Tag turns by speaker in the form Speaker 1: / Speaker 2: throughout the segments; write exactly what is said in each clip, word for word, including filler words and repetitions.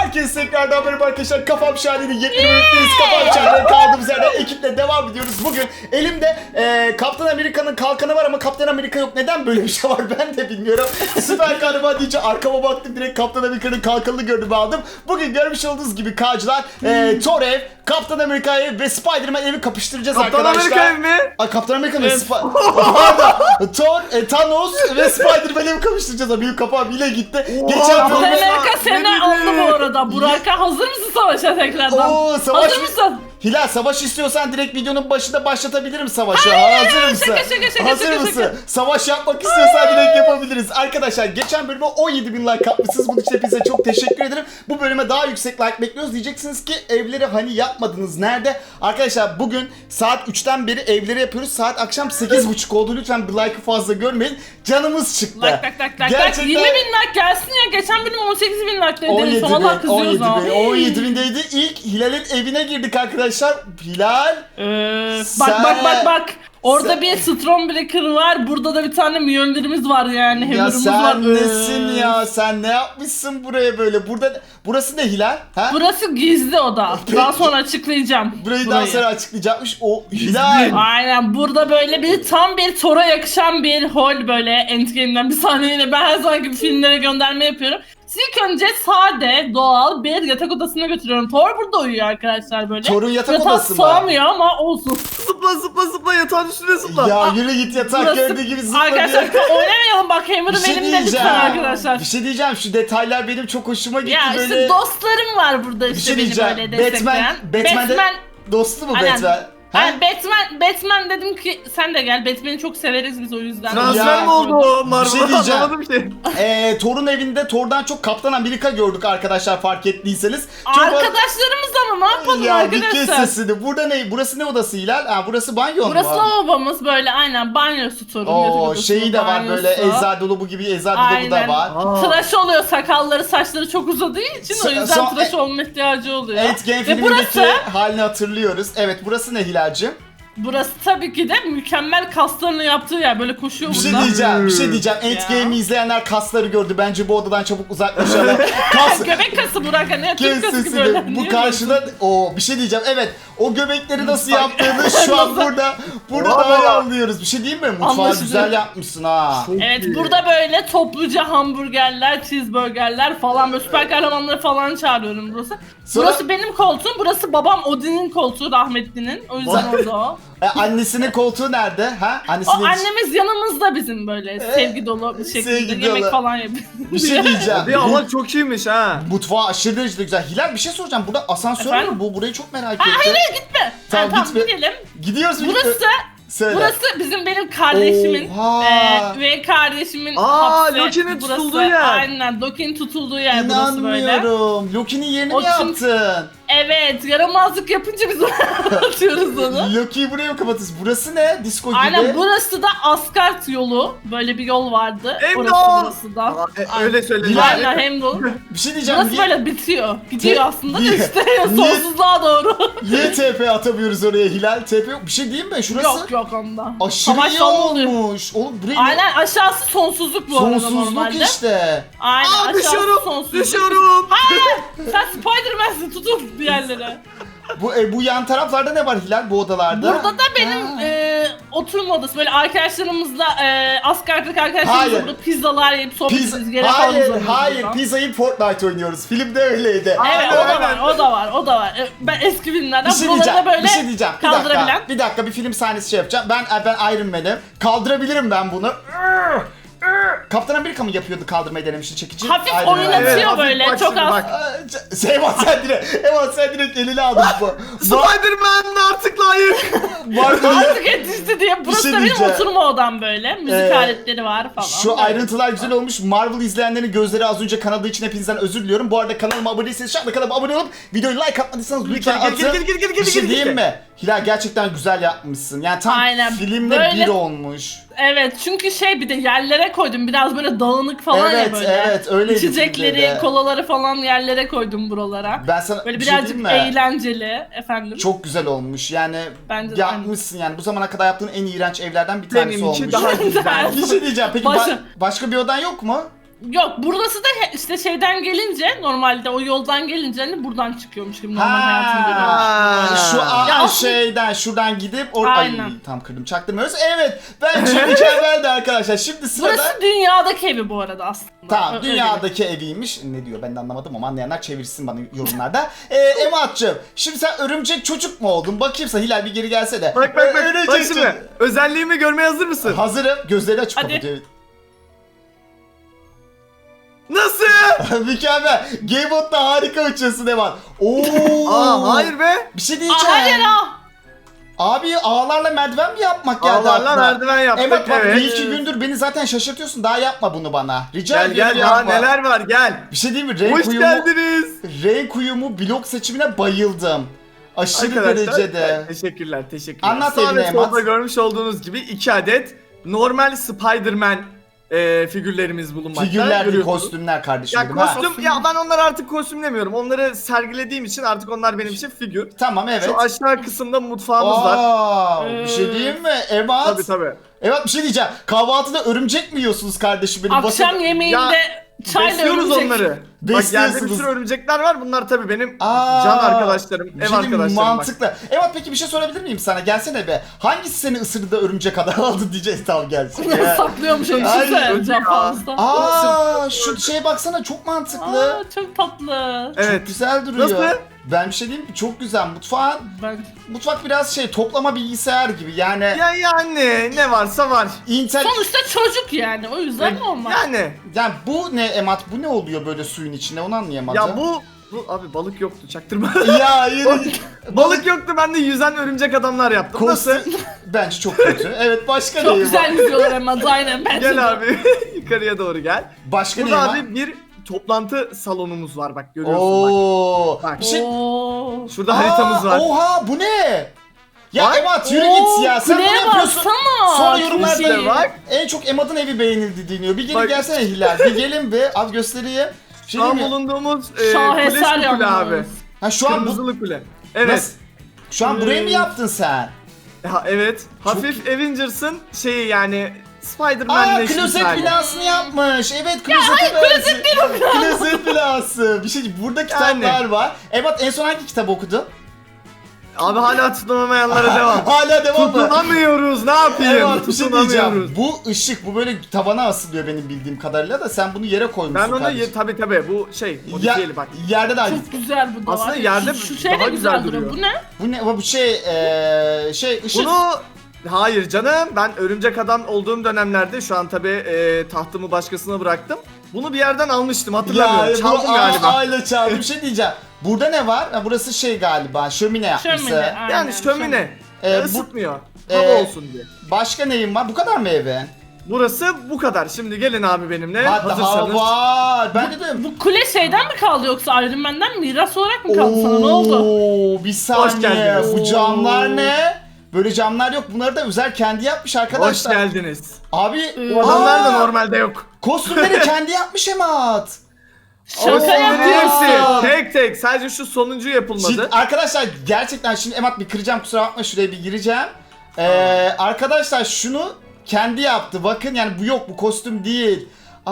Speaker 1: Herkese tekrardan merhaba arkadaşlar. Kafam Şahane'nin yepyeni bölümündeyiz. Kafam Şahane'nin kaldığımız yerden ekiple devam ediyoruz. Bugün elimde e, Kaptan Amerika'nın kalkanı var ama Kaptan Amerika yok. Neden böyle bir şey var ben de bilmiyorum. Süper kahraman deyince arkama baktım, direkt Kaptan Amerika'nın kalkanını gördüm, aldım. Bugün görmüş olduğunuz gibi K'cılar e, Thor ev, Kaptan Amerika ev ve Spider-Man evi kapıştıracağız
Speaker 2: Kaptan
Speaker 1: arkadaşlar.
Speaker 2: Amerika ev mi?
Speaker 1: Ay, Kaptan Amerika'nın evet. Pardon. Thor, e, Thanos ve Spider-Man evi kapıştıracağız. Benim kafam bile gitti. Geçen
Speaker 3: Kaptan
Speaker 1: bölüm...
Speaker 3: Amerika seni aldı bu arada. Burak'a hazır mısın savaşa tekrardan?
Speaker 1: Oo, savaş
Speaker 3: hazır mısın?
Speaker 1: Hilal, savaş istiyorsan direkt videonun başında başlatabilirim savaşı.
Speaker 3: Hayır,
Speaker 1: Hazır mısın?
Speaker 3: şaka, şaka, şaka,
Speaker 1: Hazır
Speaker 3: şaka,
Speaker 1: mısın?
Speaker 3: şaka.
Speaker 1: Savaş yapmak istiyorsan direkt yapabiliriz. Arkadaşlar geçen bölüme on yedi bin like atmışsınız. Bunun için hepinize çok teşekkür ederim. Bu bölüme daha yüksek like bekliyoruz. Diyeceksiniz ki evleri hani yapmadınız, nerede? Arkadaşlar bugün saat üçten beri evleri yapıyoruz. Saat akşam sekiz buçuk oldu. Lütfen bir like'ı fazla görmeyin. Canımız çıktı.
Speaker 3: Like like like like.
Speaker 1: Gerçekten...
Speaker 3: yirmi bin like gelsin ya. Geçen bölüm on sekiz bin like dedi.
Speaker 1: on yedi bin,
Speaker 3: Valla
Speaker 1: on
Speaker 3: kızıyoruz
Speaker 1: yedi
Speaker 3: ama.
Speaker 1: bin, on yedi bindeydi. İlk Hilal'in evine girdik arkadaşlar. Hilal.
Speaker 3: Ee,
Speaker 1: Sen-
Speaker 3: bak bak bak bak. Orada
Speaker 1: Sen-
Speaker 3: bir Stormbreaker var. Burada da bir tane Mjolnir'imiz var yani.
Speaker 1: Ya
Speaker 3: Hammer'ımız
Speaker 1: sen
Speaker 3: var.
Speaker 1: nesin
Speaker 3: Ee,
Speaker 1: ya? Sen ne yapmışsın buraya böyle? Burada burası ne Hilal? Ha?
Speaker 3: Burası gizli oda. Daha sonra açıklayacağım.
Speaker 1: Burayı daha sonra açıklayacakmış. O Hilal.
Speaker 3: Aynen, burada böyle bir tam bir Thor'a yakışan bir hol, böyle Endgame'den bir sahneyle ben her zaman gibi filmlere gönderme yapıyorum. Sizi ilk önce sade, doğal bir yatak odasına götürüyorum. Thor burada uyuyor arkadaşlar böyle.
Speaker 1: Thor'un yatak
Speaker 3: Yatağı
Speaker 1: odası mı?
Speaker 3: sığamıyor ama olsun.
Speaker 2: Zıpla zıpla zıpla yatağın üstüne zıpla.
Speaker 1: Ya yürü git, yatak
Speaker 3: Burası-
Speaker 1: gördüğü gibi zıpla
Speaker 3: Arkadaşlar
Speaker 1: diye.
Speaker 3: oynamayalım bak,
Speaker 1: Bir
Speaker 3: Hammer'ım
Speaker 1: şey
Speaker 3: elimde
Speaker 1: diyeceğim.
Speaker 3: lütfen arkadaşlar.
Speaker 1: Bir şey diyeceğim. Şu detaylar benim çok hoşuma gitti
Speaker 3: Ya
Speaker 1: böyle.
Speaker 3: işte dostlarım var burada
Speaker 1: Bir
Speaker 3: işte
Speaker 1: şey
Speaker 3: beni
Speaker 1: diyeceğim.
Speaker 3: böyle
Speaker 1: Batman,
Speaker 3: destekleyen.
Speaker 1: Batman'de
Speaker 3: Batman
Speaker 1: dostu mu
Speaker 3: Aynen.
Speaker 1: Batman? Ha?
Speaker 3: Yani Batman, Batman dedim ki sen de gel. Batman'i çok severiz biz o yüzden.
Speaker 2: Transfer
Speaker 1: Ya,
Speaker 2: mi oldu o Marvel'a?
Speaker 1: bir şey diyeceğim.
Speaker 2: Anlamadım ki.
Speaker 1: Ee, Thor'un evinde Thor'dan çok Kaptan Amerika gördük arkadaşlar, fark ettiyseniz. Çok
Speaker 3: Arkadaşlarımız ama ne yapalım
Speaker 1: Ya bir kes
Speaker 3: arkadaşlar?
Speaker 1: sesini. Burada ne? Burası ne odası Hilal? Ha, burası banyo mu?
Speaker 3: Burası lavabomuz böyle, aynen banyosu Thor'un. yatak
Speaker 1: Oo,
Speaker 3: odasının
Speaker 1: şeyi de var böyle,
Speaker 3: banyosu.
Speaker 1: eczacı dolabı gibi eczacı dolabı da
Speaker 3: Aynen.
Speaker 1: var.
Speaker 2: Aa.
Speaker 3: Tıraş oluyor, sakalları saçları çok uzadığı için o
Speaker 1: So-
Speaker 3: yüzden
Speaker 1: so-
Speaker 3: tıraş olma ihtiyacı oluyor.
Speaker 1: Endgame
Speaker 3: Ve
Speaker 1: filmindeki
Speaker 3: burası,
Speaker 1: halini hatırlıyoruz. Evet, burası ne Hilal'cim?
Speaker 3: burası tabii ki de mükemmel kaslarını yaptığı yer, böyle koşuyor
Speaker 1: Bir şey
Speaker 3: burada.
Speaker 1: diyeceğim, bir şey diyeceğim. Endgame'i izleyenler kasları gördü. Bence bu odadan çabuk uzaklaşalım. Kas...
Speaker 3: Göbek kası Burak, hani Türk
Speaker 1: Kes
Speaker 3: kası gibi
Speaker 1: sesini.
Speaker 3: öyle.
Speaker 1: Bu
Speaker 3: Niye
Speaker 1: karşıda o bir şey diyeceğim. Evet, o göbekleri nasıl yaptığını şu an
Speaker 3: Nasıl?
Speaker 1: burada burada
Speaker 2: Bravo.
Speaker 1: daha iyi anlıyoruz. Bir şey diyeyim mi? Mutfağı
Speaker 3: Anlaşıldı.
Speaker 1: güzel yapmışsın ha.
Speaker 3: Evet, burada böyle topluca hamburgerler, cheeseburgerler falan, böyle süper kahramanları falan çağırıyorum burası.
Speaker 1: Sonra-
Speaker 3: Burası benim koltuğum, burası babam Odin'in koltuğu, rahmetlinin. O yüzden orada o.
Speaker 1: E, annesinin koltuğu nerede? Ha?
Speaker 3: O
Speaker 1: Annesinin
Speaker 3: annemiz yanımızda bizim, böyle sevgi dolu bir şekilde
Speaker 1: sevgi
Speaker 3: yemek
Speaker 1: dolu.
Speaker 3: falan yapıyor.
Speaker 1: Bir şey diyeceğim.
Speaker 2: Bir Allah çok iyiymiş ha.
Speaker 1: Mutfağı aşırı derecede güzel. Hilal, bir şey soracağım. Burada asansör
Speaker 3: Efendim?
Speaker 1: mü bu? Burayı çok merak
Speaker 3: Ha,
Speaker 1: ettim.
Speaker 3: hayır gitme.
Speaker 1: Tamam,
Speaker 3: Tamam,
Speaker 1: gitme.
Speaker 3: tamam gidelim.
Speaker 1: Gidiyoruz.
Speaker 3: Burası
Speaker 1: Söyle.
Speaker 3: Burası bizim benim kardeşimin
Speaker 1: Oha.
Speaker 3: e, ve kardeşimin
Speaker 2: Aa,
Speaker 3: hapsi.
Speaker 2: Loki'nin
Speaker 3: Burası-
Speaker 2: tutulduğu yer.
Speaker 3: Aynen, Loki'nin tutulduğu yer burası böyle.
Speaker 1: İnanmıyorum. Loki'nin yerini
Speaker 3: O
Speaker 1: mi
Speaker 3: çünkü-
Speaker 1: yaptın?
Speaker 3: Evet, yaramazlık yapınca biz atıyoruz onu.
Speaker 1: Loki'yi buraya mı kapatırız? Burası ne? Disco gibi.
Speaker 3: Aynen, burası da Asgard yolu. Böyle bir yol vardı.
Speaker 2: Heimdall!
Speaker 3: Orası burası da.
Speaker 2: Aa, e, öyle söyle.
Speaker 1: Hilal.
Speaker 3: Aynen, Heimdall.
Speaker 1: Bir şey diyeceğim.
Speaker 3: Burası
Speaker 1: Niye,
Speaker 3: böyle bitiyor. Gidiyor
Speaker 1: Te-
Speaker 3: aslında da
Speaker 1: Niye-
Speaker 3: işte
Speaker 1: Niye-
Speaker 3: sonsuzluğa doğru.
Speaker 1: niye T P atamıyoruz oraya Hilal? T P yok. Bir şey diyeyim mi? Şurası
Speaker 3: Yok yok onda.
Speaker 1: aşırı
Speaker 3: Savaş
Speaker 1: iyi
Speaker 3: falan oluyor.
Speaker 1: olmuş. Oğlum burayı
Speaker 3: Aynen, aşağısı sonsuzluk bu arada
Speaker 1: sonsuzluk
Speaker 3: normalde.
Speaker 1: işte.
Speaker 3: Aynen,
Speaker 2: Aa,
Speaker 3: aşağısı
Speaker 2: düşüyorum.
Speaker 3: sonsuzluk.
Speaker 2: Düşüyorum.
Speaker 3: Sen Spider-Man'sin, tutun bir yerlere.
Speaker 1: Bu e, bu yan taraflarda ne var Hilal, bu odalarda?
Speaker 3: Burada da benim
Speaker 1: Ha.
Speaker 3: e, oturma odası. Böyle arkadaşlarımızla, e, Asgard'daki arkadaşlarımızla
Speaker 1: Hayır.
Speaker 3: burada pizzalar yiyip sohbet
Speaker 1: Pizza...
Speaker 3: ediyoruz. Gene falan
Speaker 1: Hayır,
Speaker 3: uzanıyoruz
Speaker 1: hayır.
Speaker 3: buradan.
Speaker 1: Pizzayı Fortnite oynuyoruz. Filmde öyleydi.
Speaker 3: Evet,
Speaker 2: Aynen,
Speaker 3: o da var,
Speaker 2: aynen.
Speaker 3: o da var, o da var. E, Ben eski filmlerden
Speaker 1: Bir şey
Speaker 3: buraları
Speaker 1: diyeceğim.
Speaker 3: da böyle
Speaker 1: bir şey diyeceğim. Bir dakika.
Speaker 3: kaldırabilen.
Speaker 1: Bir dakika, bir film sahnesi şey yapacağım. Ben ben Iron Man'im. Kaldırabilirim ben bunu. Kaptan Amerika mı yapıyordu, kaldırmayı denemişti çekici?
Speaker 3: Hafif
Speaker 1: Iron Man.
Speaker 3: oynatıyor
Speaker 2: Evet, hafif
Speaker 3: böyle,
Speaker 2: bak
Speaker 3: çok
Speaker 2: şimdi
Speaker 3: az.
Speaker 2: bak.
Speaker 1: Aa, c- Eyvah sen direkt, Eyvah sen direkt eline aldın bu. Ba-
Speaker 2: Spider-Man artık layık.
Speaker 1: Marvel'ın-
Speaker 3: Artık yetişti diye. Burası
Speaker 1: şey
Speaker 3: da benim
Speaker 1: diyeceğim.
Speaker 3: oturma odam böyle. Müzik
Speaker 1: Ee,
Speaker 3: aletleri var falan.
Speaker 1: Şu
Speaker 3: Böyle.
Speaker 1: ayrıntılar güzel olmuş. Marvel izleyenlerin gözleri az önce kanadığı için hepinizden özür diliyorum. Bu arada kanalıma abone değilseniz şu anda kanalıma abone olup videoyu like atmadıysanız lütfen
Speaker 2: Gel, gel,
Speaker 1: atın.
Speaker 2: gel, gel, gel, gel,
Speaker 1: Bir şey
Speaker 2: gel,
Speaker 1: diyeyim
Speaker 2: gel.
Speaker 1: mi? Hilal, gerçekten güzel yapmışsın. Yani tam
Speaker 3: Aynen,
Speaker 1: filmle
Speaker 3: böyle-
Speaker 1: bir olmuş.
Speaker 3: Evet, çünkü şey, bir de yerlere koydum. Biraz böyle dağınık falan
Speaker 1: Evet,
Speaker 3: ya böyle.
Speaker 1: evet, öyleydi filmde
Speaker 3: İçecekleri,
Speaker 1: de.
Speaker 3: kolaları falan yerlere koydum buralara.
Speaker 1: Ben sana
Speaker 3: Böyle
Speaker 1: bir şey
Speaker 3: birazcık
Speaker 1: diyeyim mi?
Speaker 3: eğlenceli efendim.
Speaker 1: Çok güzel olmuş. Yani
Speaker 3: Bence de
Speaker 1: yapmışsın yani. Bu zamana kadar yaptığın en iğrenç evlerden bir tanesi
Speaker 2: Benimki
Speaker 1: olmuş.
Speaker 2: daha güzel.
Speaker 1: Bir şey diyeceğim. Peki
Speaker 3: Başa-
Speaker 1: ba- başka bir odan yok mu?
Speaker 3: Yok burası da he- işte şeyden gelince normalde o yoldan gelince hani buradan çıkıyormuş gibi normal hayatını görüyormuş.
Speaker 2: Ha.
Speaker 1: Şu a-
Speaker 3: Ya aslında-
Speaker 1: şeyden şuradan gidip or Ay,
Speaker 3: Aynen.
Speaker 1: tam kırdım çaktırmıyoruz. Evet bence mükemmeldi arkadaşlar. Şimdi sırada
Speaker 3: Burası dünyadaki evi bu arada aslında.
Speaker 1: tamam
Speaker 3: Öyle
Speaker 1: dünyadaki eviymiş. Ne diyor ben de anlamadım ama anlayanlar çevirsin bana yorumlarda. Ee, Emat'cığım şimdi sen örümcek çocuk mu oldun? Bakayım sen Hilal bir geri gelse de.
Speaker 2: Bak bak bak.
Speaker 1: Örümcek
Speaker 2: Bak
Speaker 1: çocuk.
Speaker 2: şimdi. Özelliğimi görmeye hazır mısın?
Speaker 1: Hazırım. Gözleri açık
Speaker 3: Hadi.
Speaker 1: kapatıyor.
Speaker 2: Nasıl?
Speaker 1: Mükemmel. Gamebot'ta harika uçuyorsun Emat. Oo.
Speaker 2: Aa hayır be.
Speaker 1: Bir şey
Speaker 3: Aa,
Speaker 1: diyeceğim.
Speaker 3: hayır ha.
Speaker 1: Abi ağlarla merdiven mi yapmak geldi
Speaker 2: Ağlarla
Speaker 1: aklına?
Speaker 2: merdiven yaptık,
Speaker 1: Evet bak
Speaker 2: evet.
Speaker 1: bir iki gündür beni zaten şaşırtıyorsun. Daha yapma bunu bana. Rica
Speaker 2: Gel
Speaker 1: ediyorum
Speaker 2: gel daha
Speaker 1: yapma.
Speaker 2: neler var gel.
Speaker 1: Bir şey diyeyim mi? Renk
Speaker 2: Hoş
Speaker 1: uyumu,
Speaker 2: geldiniz.
Speaker 1: renk uyumu blok seçimine bayıldım. Aşırı derecede.
Speaker 2: evet, teşekkürler teşekkürler.
Speaker 1: Anlat
Speaker 2: Sağ
Speaker 1: evine
Speaker 2: ve solda
Speaker 1: Emat.
Speaker 2: görmüş olduğunuz gibi iki adet normal Spider-Man e, figürlerimiz bulunmakta.
Speaker 1: Figürler değil
Speaker 2: Görüyorsunuz.
Speaker 1: kostümler kardeşim
Speaker 2: Ya
Speaker 1: benim, ha.
Speaker 2: kostüm ya ben onları artık kostümlemiyorum. Onları sergilediğim için artık onlar benim için figür.
Speaker 1: Tamam evet.
Speaker 2: Şu aşağı kısımda mutfağımız var.
Speaker 1: Aa, bir şey diyeyim mi? Emat.
Speaker 2: Tabii tabii.
Speaker 1: Evet bir şey diyeceğim. Kahvaltıda örümcek mi yiyorsunuz kardeşim benim?
Speaker 3: Akşam
Speaker 1: Bakın-
Speaker 3: yemeğinde çayla
Speaker 2: Besliyoruz
Speaker 3: örümcek.
Speaker 2: onları. Bak yerde bir
Speaker 1: Besliyorsunuz.
Speaker 2: sürü örümcekler var. Bunlar tabii benim
Speaker 1: Aa,
Speaker 2: can arkadaşlarım,
Speaker 1: bir
Speaker 2: ev
Speaker 1: şey diyeyim mi?
Speaker 2: arkadaşlarım. bak.
Speaker 1: Mantıklı. Evet peki bir şey sorabilir miyim sana? Gelsene be. Hangisi seni ısırdı da örümcek kadar aldı diyeceğiz tamam gelsin. Ya.
Speaker 3: Saklıyormuş öyle
Speaker 1: Aynen.
Speaker 3: düşünsene cam fazla.
Speaker 1: Aa şu şeye baksana çok mantıklı.
Speaker 3: Aa, çok tatlı.
Speaker 2: Evet.
Speaker 1: Çok güzel duruyor.
Speaker 2: Nasıl?
Speaker 1: Ben bir şey diyeyim mi? Çok güzel. Mutfağın
Speaker 3: Ben
Speaker 1: mutfak biraz şey toplama bilgisayar gibi. Yani
Speaker 2: Ya yani ne varsa var.
Speaker 1: Intel
Speaker 3: sonuçta çocuk yani o yüzden normal.
Speaker 2: Yani
Speaker 1: yani bu ne Emat? Bu ne oluyor böyle suyun içinde? Onu anlayamadım.
Speaker 2: ya bu bu abi balık yoktu çaktırma.
Speaker 1: ya yine
Speaker 2: Balık yoktu ben de yüzen örümcek adamlar yaptım. Nasıl?
Speaker 1: kostüm bence çok kötü. Evet başka
Speaker 3: Çok
Speaker 1: neyim
Speaker 3: güzel
Speaker 1: var?
Speaker 3: yüzüyorlar ama aynen bence de.
Speaker 2: Gel abi yukarıya doğru gel.
Speaker 1: Başka neyim
Speaker 2: Burada
Speaker 1: var?
Speaker 2: abi bir toplantı salonumuz var bak görüyorsun bak.
Speaker 1: Oo.
Speaker 2: Bak.
Speaker 1: Bir şey...
Speaker 3: Oo.
Speaker 2: Şurada
Speaker 1: Aa,
Speaker 2: haritamız var.
Speaker 1: Oha bu ne? Ya
Speaker 2: Bak.
Speaker 1: Emat yürü
Speaker 3: Oo,
Speaker 1: git ya. Sen bunu
Speaker 3: kuleye
Speaker 1: yapıyorsun.
Speaker 3: baksana.
Speaker 1: Sonra yorumlarda
Speaker 2: İşte bak.
Speaker 1: en çok Emat'ın evi beğenildi deniyor. Bir gelin
Speaker 2: Bak.
Speaker 1: gelsene Hilal. Bir gelin bir. Abi göstereyim. Bir şey
Speaker 2: Şu an
Speaker 1: diyeyim mi?
Speaker 2: bulunduğumuz e, kule
Speaker 3: Şaheser
Speaker 2: şu kule
Speaker 3: yalnız.
Speaker 2: abi.
Speaker 1: Ha şu an bu...
Speaker 2: Kırmızılı kule. Evet.
Speaker 1: Nasıl? Şu an burayı mı
Speaker 3: Ee,
Speaker 1: yaptın sen?
Speaker 2: Ha, evet. Hafif Avengers'ın şeyi yani Spider-Man'le
Speaker 1: Aa
Speaker 2: eşit
Speaker 1: klozet
Speaker 2: hali.
Speaker 1: binasını yapmış. Evet klozet binası. Klozet binası. Bir şey burada kitaplar var. Evet en son hangi kitabı okudun?
Speaker 2: Abi hala tutunamayanlara devam.
Speaker 1: Hala devam mı?
Speaker 2: Tutunamıyoruz ne yapayım?
Speaker 1: Evet bir şey diyeceğim.
Speaker 2: Tutunamıyoruz.
Speaker 1: Bu ışık bu böyle tavana asılıyor benim bildiğim kadarıyla da sen bunu yere koymuşsun
Speaker 2: Ben onu
Speaker 1: kardeşim.
Speaker 2: ye, tabi tabi bu şey
Speaker 1: Ya,
Speaker 2: modifiyeli bak.
Speaker 1: yerde de
Speaker 3: Çok güzel bu da
Speaker 2: Aslında
Speaker 3: var.
Speaker 2: yerde
Speaker 3: şu, şu
Speaker 2: daha
Speaker 3: şey de
Speaker 2: güzel
Speaker 3: güzel duruyor.
Speaker 2: duruyor.
Speaker 3: Bu ne?
Speaker 1: bu ne bu şey eee şey ışık.
Speaker 2: Bunu hayır canım ben örümcek adam olduğum dönemlerde şu an tabi e, tahtımı başkasına bıraktım. Bunu bir yerden almıştım hatırlamıyorum.
Speaker 1: Ya bu
Speaker 2: Çaldım
Speaker 1: a-
Speaker 2: galiba.
Speaker 1: aile çaldı. Bir şey diyeceğim. Burada ne var? Ha, burası şey galiba şömine yapmışsın.
Speaker 3: Şömine. aynen,
Speaker 2: Yani şömine.
Speaker 1: Ee,
Speaker 2: E,
Speaker 1: bu-
Speaker 2: ısıtmıyor.
Speaker 1: Ee,
Speaker 2: Hava olsun diye.
Speaker 1: Başka neyim var? Bu kadar mı evin?
Speaker 2: Burası bu kadar. Şimdi gelin abi benimle
Speaker 1: Hatta
Speaker 2: hazırsanız.
Speaker 1: var. Ben de dedim.
Speaker 3: Bu kule şeyden mi kaldı yoksa Iron Man'den miras olarak mı kaldı sana ne oldu?
Speaker 1: Oo, bir saniye.
Speaker 2: geldiniz.
Speaker 1: Bu camlar ne? Böyle camlar yok. Bunları da özel kendi yapmış
Speaker 2: Hoş
Speaker 1: arkadaşlar.
Speaker 2: geldiniz.
Speaker 1: Abi
Speaker 2: Bu adamlar da
Speaker 1: aa,
Speaker 2: normalde yok.
Speaker 1: kostümleri kendi yapmış Emat.
Speaker 3: Şaka
Speaker 1: Oo,
Speaker 3: yapıyorsun.
Speaker 1: hepsi.
Speaker 2: Tek tek sadece şu sonuncu yapılmadı.
Speaker 1: Şimdi, arkadaşlar gerçekten şimdi Emat bir kıracağım kusura bakma şuraya bir gireceğim. Ee, arkadaşlar şunu kendi yaptı. Bakın yani bu yok bu kostüm değil.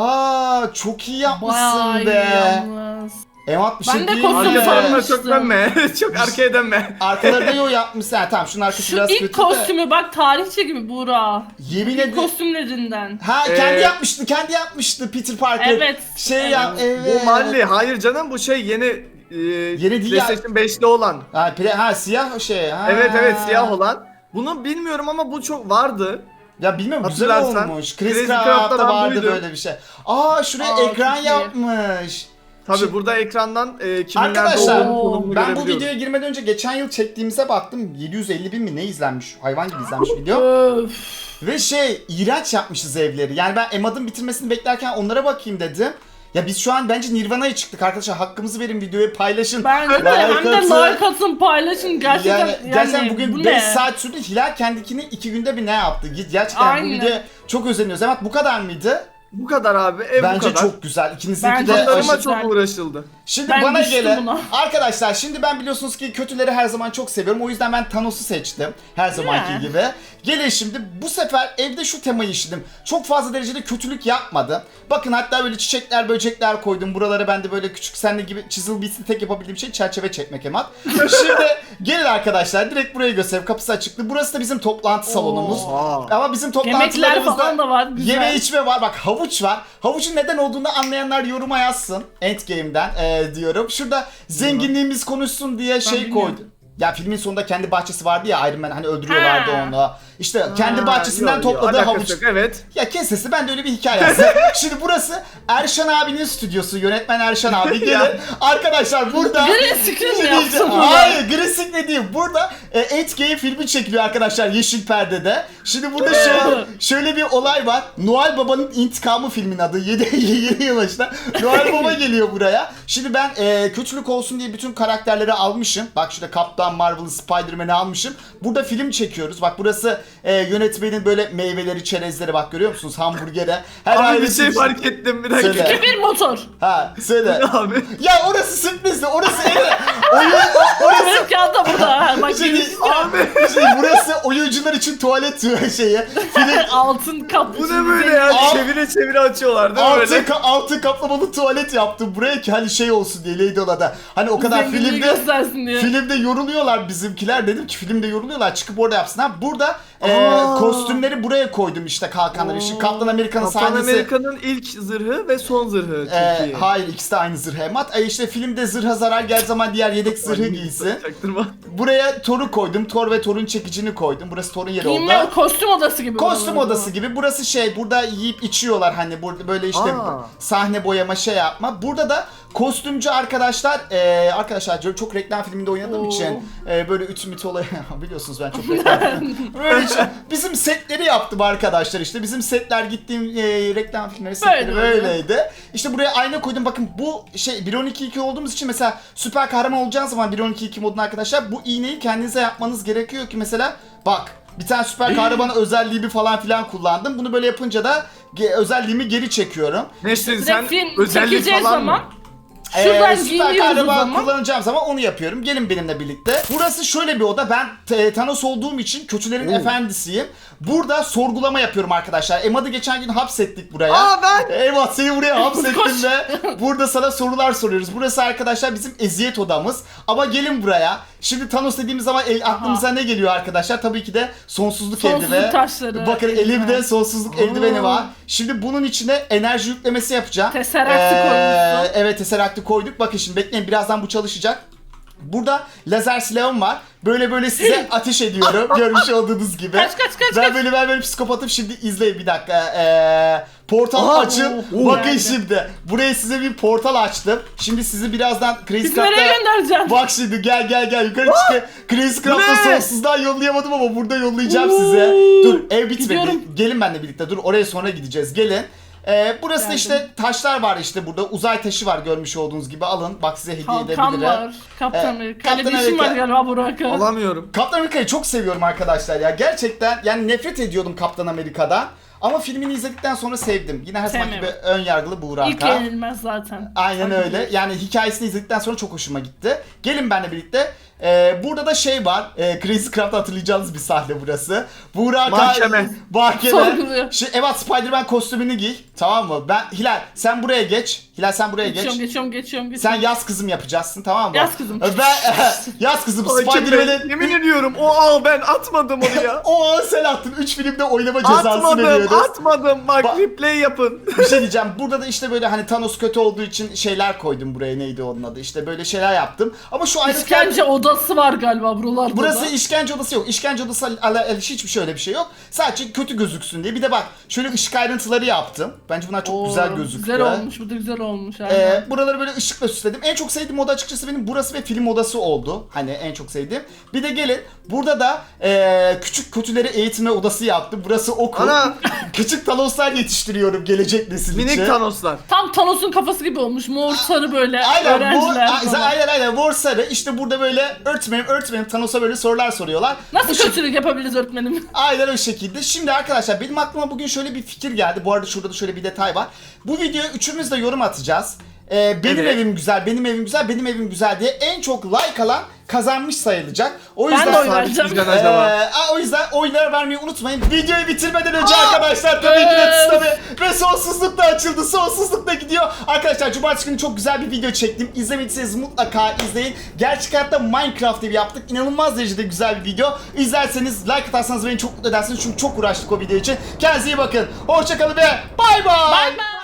Speaker 1: Aa çok iyi yapmışsın
Speaker 3: Bayağı iyi
Speaker 1: be.
Speaker 3: yalnız.
Speaker 1: Emat bir
Speaker 3: Ben
Speaker 1: şey
Speaker 3: de
Speaker 1: diyeyim mi?
Speaker 3: kostüm
Speaker 2: Arka tarafına
Speaker 3: sanmıştım.
Speaker 2: çok dönme. çok arkaya dönme.
Speaker 1: Arkaları da yo yapmışsın. Ha, tamam şunun arkası
Speaker 3: Şu
Speaker 1: biraz
Speaker 3: ilk
Speaker 1: kötü de.
Speaker 3: kostümü bak tarihçi gibi Buğra.
Speaker 1: Yemin
Speaker 3: İlk
Speaker 1: ederim.
Speaker 3: kostümlerinden.
Speaker 1: Ha
Speaker 2: Ee,
Speaker 1: kendi yapmıştı, kendi yapmıştı Peter Parker.
Speaker 3: Evet,
Speaker 1: Şey
Speaker 3: evet.
Speaker 1: ya, evet.
Speaker 2: Bu Marley. Hayır canım bu şey yeni e,
Speaker 1: değil ya.
Speaker 2: PlayStation beşte olan.
Speaker 1: Ha, pre- ha siyah şey. Ha.
Speaker 2: Evet evet siyah olan. Bunu bilmiyorum ama bu çok vardı.
Speaker 1: Ya bilmiyorum güzel
Speaker 2: Hatırlarsan,
Speaker 1: olmuş. Chris
Speaker 2: Crazy
Speaker 1: Craft'ta
Speaker 2: Craft'ta
Speaker 1: vardı
Speaker 2: buydu.
Speaker 1: böyle bir şey. Aa şuraya
Speaker 3: Aa,
Speaker 1: ekran
Speaker 3: çok iyi.
Speaker 1: yapmış.
Speaker 2: Tabi
Speaker 1: Şimdi-
Speaker 2: burada ekrandan e, kimin nerede
Speaker 1: Arkadaşlar,
Speaker 2: olduğunu konumunu
Speaker 1: Ben bu
Speaker 2: görebiliyoruz.
Speaker 1: videoya girmeden önce geçen yıl çektiğimize baktım. yedi yüz elli bin mi ne izlenmiş? Hayvan gibi izlenmiş video.
Speaker 3: Öf.
Speaker 1: Ve şey iğrenç yapmışız evleri. Yani ben Emad'ın bitirmesini beklerken onlara bakayım dedim. Ya biz şu an bence Nirvana'ya çıktık arkadaşlar. Hakkımızı verin videoyu paylaşın.
Speaker 3: Bence de
Speaker 1: Like
Speaker 3: hem de
Speaker 1: atın.
Speaker 3: like atın paylaşın gerçekten.
Speaker 1: Yani,
Speaker 3: Yani,
Speaker 1: gerçekten
Speaker 3: bu
Speaker 1: bugün
Speaker 3: ne?
Speaker 1: beş saat sürdü. Hilal kendikini iki günde bir ne yaptı? Gerçekten bu
Speaker 3: Aynen.
Speaker 1: videoya çok özeniyoruz. Evet bu kadar mıydı?
Speaker 2: Bu kadar abi ev bu
Speaker 1: Bence
Speaker 2: kadar.
Speaker 1: çok güzel. İkinizinki
Speaker 3: Bence
Speaker 1: de
Speaker 3: de
Speaker 2: Tasarıma
Speaker 1: aşırı-
Speaker 2: çok
Speaker 3: güzel.
Speaker 2: uğraşıldı.
Speaker 1: Şimdi
Speaker 3: Ben
Speaker 1: bana
Speaker 3: düştüm
Speaker 1: gele.
Speaker 3: buna.
Speaker 1: Arkadaşlar şimdi ben biliyorsunuz ki kötüleri her zaman çok seviyorum. O yüzden ben Thanos'u seçtim. Her zamanki
Speaker 3: Ya.
Speaker 1: gibi. Gelin şimdi bu sefer evde şu temayı işledim. Çok fazla derecede kötülük yapmadım. Bakın hatta böyle çiçekler, böcekler koydum. Buralara ben de böyle küçük senle gibi çizil bitsin tek yapabildiğim şey çerçeve çekmek Emat. Şimdi gelin arkadaşlar direkt burayı göstereyim. Kapısı açıktı. Burası da bizim toplantı salonumuz.
Speaker 2: Oo.
Speaker 1: Ama bizim
Speaker 3: Yemekler
Speaker 1: toplantılarımızda
Speaker 3: falan da var. Güzel.
Speaker 1: yeme içme var. Bak havuç var. Havucun neden olduğunu anlayanlar yoruma yazsın. Endgame'den ee, diyorum. Şurada zenginliğimiz konuşsun diye şey
Speaker 3: bilmiyorum.
Speaker 1: koydum. Ya filmin sonunda kendi bahçesi vardı ya, Iron Man hani öldürüyorlardı
Speaker 3: Ha.
Speaker 1: onu. İşte kendi
Speaker 2: Ha,
Speaker 1: bahçesinden
Speaker 2: yok, yok,
Speaker 1: topladığı
Speaker 2: alakası
Speaker 1: havuç.
Speaker 2: yok, evet.
Speaker 1: Ya kes sesi, ben de öyle bir hikaye yazdım. Şimdi burası Erşan abinin stüdyosu. Yönetmen Erşan abi. Gelin.
Speaker 2: Ya.
Speaker 1: Arkadaşlar burada...
Speaker 3: Green screen mi yaptın bunu?
Speaker 1: Hayır, Green Screen değil. Burada e, Endgame filmi çekiliyor arkadaşlar yeşil perdede. Şimdi burada şöyle, şöyle bir olay var. Noel Baba'nın İntikamı filmin adı. yedi yıl başında. Noel Baba geliyor buraya. Şimdi ben e, kötülük olsun diye bütün karakterleri almışım. Bak şurada Kaptan Marvel'ı, Spider-Man'i almışım. Burada film çekiyoruz. Bak burası e, yönetmenin böyle meyveleri, çerezleri, bak görüyor musunuz? Hamburgere. Her
Speaker 2: Abi bir
Speaker 1: ailesi
Speaker 2: şey
Speaker 1: için-
Speaker 2: fark ettim bir dakika.
Speaker 1: Söyle.
Speaker 3: Bir motor.
Speaker 1: Ha söyle.
Speaker 2: Abi.
Speaker 1: Ya orası sürprizdi. Orası oyun, orası
Speaker 3: Benim kağıt da burada. Bak
Speaker 1: Şimdi,
Speaker 2: Abi.
Speaker 1: şey, burası oyuncular için tuvalet şeyi. Film
Speaker 3: altın kaplı.
Speaker 2: Bu ne böyle ya?
Speaker 1: Al-
Speaker 2: Çevire çevire açıyorlar değil mi
Speaker 1: altı,
Speaker 2: böyle?
Speaker 1: ka- altı kaplamalı tuvalet yaptım buraya ki hani şey olsun diye Lady Oda'da. Hani o kadar
Speaker 3: Zenginliği
Speaker 1: filmde
Speaker 3: göstersin diye.
Speaker 1: filmde yoruluyorlar bizimkiler. Dedim ki filmde yoruluyorlar, çıkıp orada yapsınlar. Burada e,
Speaker 2: Aa.
Speaker 1: kostümleri buraya koydum işte, kalkanları. Şimdi Kaptan Amerika'nın
Speaker 2: Kaptan
Speaker 1: sahnesi.
Speaker 2: Amerika'nın ilk zırhı ve son zırhı çok
Speaker 1: E,
Speaker 2: iyi.
Speaker 1: hayır, ikisi de aynı zırh Emat. E işte filmde zırha zarar geldiği zaman diğer yedek zırhı giysin.
Speaker 2: Çaktırma.
Speaker 1: Buraya Thor'u koydum. Thor ve Thor'un çekicini koydum. Burası Thor'un yeri oldu.
Speaker 3: Giyinme kostüm odası gibi.
Speaker 1: Kostüm
Speaker 3: buralar.
Speaker 1: odası gibi. Burası şey, burada yiyip içiyorlar hani, burada böyle işte
Speaker 2: Aa.
Speaker 1: sahne boyama şey yapma. Burada da kostümcü arkadaşlar, e, arkadaşlar çok reklam filminde oynadığım
Speaker 3: Oo.
Speaker 1: için e, böyle üç mit olayı biliyorsunuz ben çok reklam film- böyle işte bizim setleri yaptım arkadaşlar, işte bizim setler gittiğim e, reklam filmleri setleri
Speaker 3: Böyle oluyor.
Speaker 1: böyleydi. İşte buraya ayna koydum, bakın bu şey bir on iki iki olduğumuz için mesela süper kahraman olacağınız zaman bir on iki iki modunda arkadaşlar bu iğneyi kendinize yapmanız gerekiyor ki mesela bak. Bir tane süper kahraman özelliğimi falan filan kullandım. Bunu böyle yapınca da ge- özelliğimi geri çekiyorum.
Speaker 2: Nesrin
Speaker 3: Direkt
Speaker 2: sen
Speaker 3: film
Speaker 2: özellik
Speaker 3: çekeceği
Speaker 2: falan
Speaker 3: zaman
Speaker 2: mı?
Speaker 3: şuradan
Speaker 1: Ee, süper
Speaker 3: giyiniyoruz o
Speaker 1: kahraman
Speaker 3: zaman.
Speaker 1: kullanacağım zaman onu yapıyorum. Gelin benimle birlikte. Burası şöyle bir oda. Ben t- Thanos olduğum için kötülerin
Speaker 2: Oo.
Speaker 1: efendisiyim. Burada sorgulama yapıyorum arkadaşlar. Emad'ı geçen gün hapsettik buraya.
Speaker 2: Aa ben.
Speaker 1: Eyvah, seni buraya hapsettim
Speaker 3: Koş.
Speaker 1: ve burada sana sorular soruyoruz. Burası arkadaşlar bizim eziyet odamız. Ama gelin buraya. Şimdi Thanos dediğimiz zaman el, aklımıza ne geliyor arkadaşlar? Tabii ki de sonsuzluk,
Speaker 3: Sonsuzluk
Speaker 1: eldiveni.
Speaker 3: taşları.
Speaker 1: Bakın elimde sonsuzluk eldiveni
Speaker 2: Aa.
Speaker 1: var. Şimdi bunun içine enerji yüklemesi yapacağım.
Speaker 3: Tesserakt'ı koymuşsun.
Speaker 1: Evet, Tesseract'ı koyduk. Bakın şimdi bekleyin, birazdan bu çalışacak. Burada lazer silahım var. Böyle böyle size ateş ediyorum. Görmüş olduğunuz gibi.
Speaker 3: Kaç, kaç, kaç,
Speaker 1: Ben
Speaker 3: kaç.
Speaker 1: böyle ben böyle psikopatım. Şimdi izleyin bir dakika. Ee, portal
Speaker 2: Aa,
Speaker 1: açın.
Speaker 2: oo,
Speaker 1: Bakın
Speaker 3: geldi.
Speaker 1: şimdi. Buraya size bir portal açtım. Şimdi sizi birazdan Crazy
Speaker 3: Biz nereye
Speaker 1: Craft'a...
Speaker 3: göndereceğim?
Speaker 1: Bak şimdi gel gel gel yukarı çık. Crazy Craft'a
Speaker 2: Ne?
Speaker 1: sonsuzdan yollayamadım ama burada yollayacağım
Speaker 3: Oo.
Speaker 1: size. Dur, ev bitmedi.
Speaker 3: Gidiyorum.
Speaker 1: Gelin benimle birlikte. Dur, oraya sonra gideceğiz. Gelin. Ee, burası da
Speaker 3: Geldim.
Speaker 1: işte taşlar var, işte burada uzay taşı var görmüş olduğunuz gibi, alın bak size hediye
Speaker 3: Kalkan
Speaker 1: edebilirim.
Speaker 3: var. Kaptan
Speaker 1: Ee,
Speaker 3: Amerika. Öyle
Speaker 1: Kaptan
Speaker 3: bir işim var
Speaker 1: Amerika.
Speaker 3: galiba Burak'a.
Speaker 2: Alamıyorum.
Speaker 1: Kaptan Amerika'yı çok seviyorum arkadaşlar ya, gerçekten yani nefret ediyordum Kaptan Amerika'dan ama filmini izledikten sonra sevdim. Yine her zaman gibi
Speaker 3: Sevmiyorum.
Speaker 1: ön yargılı Buğra
Speaker 3: İlk
Speaker 1: Aka.
Speaker 3: yenilmez zaten.
Speaker 1: Aynen
Speaker 3: Fark
Speaker 1: öyle.
Speaker 3: ediyor.
Speaker 1: Yani hikayesini izledikten sonra çok hoşuma gitti. Gelin benimle birlikte. Ee, burada da şey var. E, Crazy Craft'ta hatırlayacağınız bir sahne burası. Buğra Aka-
Speaker 2: Mahkeme.
Speaker 1: Mahkeme.
Speaker 3: Sorguluyor.
Speaker 1: Şey, evet, Spider-Man kostümünü giy. Tamam mı? Ben Hilal sen buraya geç. Hilal sen buraya geç.
Speaker 3: Geçiyorum, geçiyorum, geçiyorum,
Speaker 1: Sen
Speaker 3: geçiyorum.
Speaker 1: yaz kızım yapacaksın, tamam mı?
Speaker 3: Yaz kızım.
Speaker 1: Ben yaz kızım
Speaker 2: Ay, kim
Speaker 1: Spider-Man'in
Speaker 2: ben- Yemin ediyorum o al ben atmadım onu ya.
Speaker 1: o an sen attın. üç filmde oynama cezası
Speaker 2: atmadım
Speaker 1: veriyoruz.
Speaker 2: atmadım bak
Speaker 1: Ba-
Speaker 2: replay yapın.
Speaker 1: Bir şey diyeceğim. Burada da işte böyle hani Thanos kötü olduğu için şeyler koydum buraya. Neydi onun adı? İşte böyle şeyler yaptım. Ama şu ayrıntılar...
Speaker 3: İşkence odası var galiba buralarda
Speaker 1: Burası
Speaker 3: da.
Speaker 1: işkence odası yok. İşkence odası al- al- hiçbir şey öyle bir şey yok. Sadece kötü gözüksün diye. Bir de bak şöyle ışık ayrıntıları yaptım. Bence bunlar çok
Speaker 3: Oo,
Speaker 1: güzel gözüktü.
Speaker 3: Güzel olmuş, bu da güzel olmuş. aynen.
Speaker 1: Ee, buraları böyle ışıkla süsledim. En çok sevdiğim oda açıkçası benim burası ve film odası oldu. Hani en çok sevdiğim. Bir de gelin burada da e, küçük kötüleri eğitme odası yaptım. Burası okul.
Speaker 2: Ana.
Speaker 1: Küçük Thanoslar yetiştiriyorum gelecek nesil için.
Speaker 2: Minik Thanoslar.
Speaker 3: Tam Thanos'un kafası gibi olmuş. Mor sarı böyle
Speaker 1: Aynen bu,
Speaker 3: öğrenciler
Speaker 1: a-
Speaker 3: falan.
Speaker 1: aynen aynen mor sarı. İşte burada böyle öğretmenim öğretmenim Thanos'a böyle sorular soruyorlar.
Speaker 3: Nasıl
Speaker 1: Bu şey-
Speaker 3: kötülük yapabiliriz öğretmenim?
Speaker 1: Aynen o şekilde. Şimdi arkadaşlar benim aklıma bugün şöyle bir fikir geldi. Bu arada şurada da şöyle bir detay var. Bu videoya üçümüz de yorum atacağız. e, benim
Speaker 2: Evet.
Speaker 1: evim güzel, benim evim güzel, benim evim güzel diye en çok like alan kazanmış sayılacak. O
Speaker 3: Ben
Speaker 1: yüzden
Speaker 3: de oy
Speaker 2: Sabit
Speaker 3: vereceğim.
Speaker 2: bizden
Speaker 1: Ee,
Speaker 2: acaba?
Speaker 1: aa, o yüzden oyları vermeyi unutmayın. Videoyu bitirmeden önce
Speaker 3: Aa,
Speaker 1: arkadaşlar tabii ki de
Speaker 3: evet.
Speaker 1: tabii ve sonsuzluk da açıldı. Sonsuzluk da gidiyor. Arkadaşlar cumartesi günü çok güzel bir video çektim. İzlemediyseniz mutlaka izleyin. Gerçek hayatta Minecraft evi yaptık. İnanılmaz derecede güzel bir video. İzlerseniz like atarsanız beni çok mutlu edersiniz. Çünkü çok uğraştık o video için. Kendinize iyi bakın. Hoşçakalın ve bay bay.
Speaker 3: Bye bye.